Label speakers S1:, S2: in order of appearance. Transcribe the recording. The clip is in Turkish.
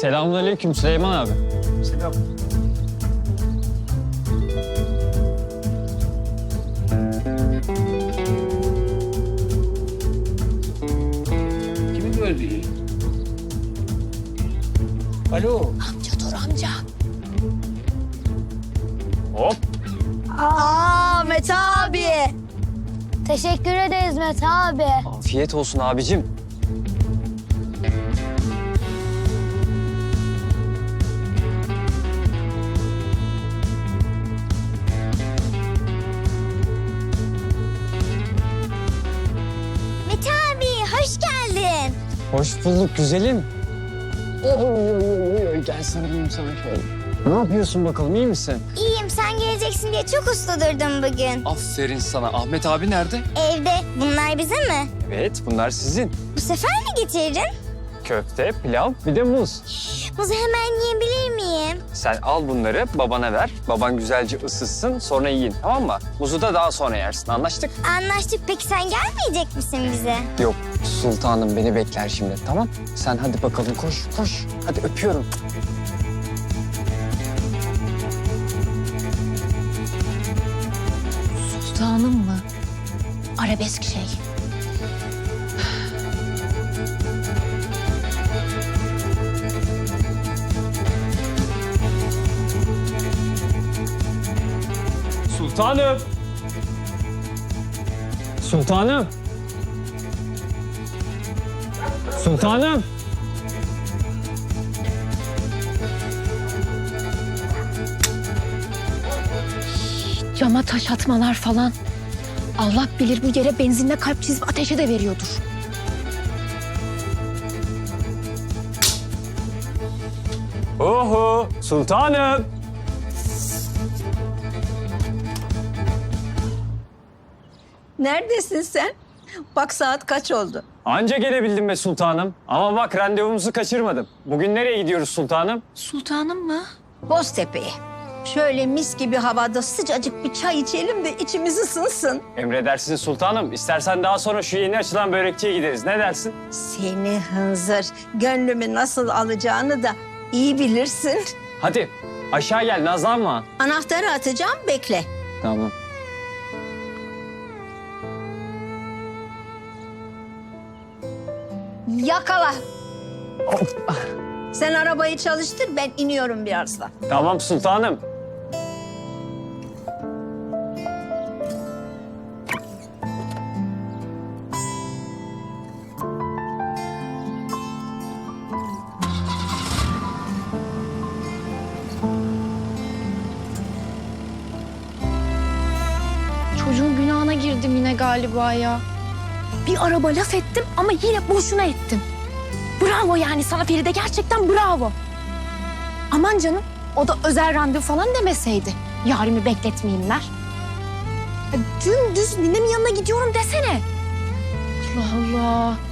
S1: Selamünaleyküm Süleyman abi.
S2: Selam. Kimi gördü? Alo.
S3: Amca dur amca.
S1: Hop.
S3: Mete abi. Teşekkür ederiz Mete abi.
S1: Afiyet olsun abicim.
S3: Mete abi hoş geldin.
S1: Hoş bulduk güzelim. Oy, gel sarılayım sana şöyle. Ne yapıyorsun bakalım, iyi misin?
S3: İyiyim, sen geleceksin diye çok uslu durdum bugün.
S1: Aferin sana. Ahmet abi nerede?
S3: Evde. Bunlar bize mi?
S1: Evet, bunlar sizin.
S3: Bu sefer ne getirdin?
S1: Köfte, pilav, bir de muz.
S3: Muzu hemen yiyebilir miyim?
S1: Sen al bunları babana ver. Baban güzelce ısıtsın, sonra yiyin, tamam mı? Muzu da daha sonra yersin, anlaştık?
S3: Anlaştık. Peki sen gelmeyecek misin bize?
S1: Yok, sultanım beni bekler şimdi, tamam? Sen hadi bakalım, koş, koş. Hadi öpüyorum.
S4: Sultanım mı? Arabesk şey.
S1: Sultanım. Sultanım. Sultanım.
S4: Cama taş atmalar falan. Allah bilir bu yere benzinle kalp çizip ateşe de veriyordur.
S1: Oho, sultanım.
S5: Neredesin sen? Bak saat kaç oldu?
S1: Anca gelebildim be sultanım. Ama bak randevumuzu kaçırmadım. Bugün nereye gidiyoruz sultanım?
S4: Sultanım mı?
S5: Boztepe'ye. Şöyle mis gibi havada sıcacık bir çay içelim de içimiz ısınsın.
S1: Emredersiniz sultanım. İstersen daha sonra şu yeni açılan börekçiye gideriz. Ne dersin?
S5: Seni hınzır, gönlümü nasıl alacağını da iyi bilirsin.
S1: Hadi aşağı gel, nazlanma.
S5: Anahtarı atacağım, bekle.
S1: Tamam.
S5: Yakala. Sen arabayı çalıştır, ben iniyorum birazdan.
S1: Tamam sultanım.
S4: Çocuğun günahına girdim yine galiba ya. Bir araba laf ettim ama yine boşuna ettim. Bravo yani sana Feride, gerçekten bravo. Aman canım, o da özel randevu falan demeseydi. Yarimi bekletmeyeyimler. Ya dümdüz ninemin yanına gidiyorum desene. Allah Allah.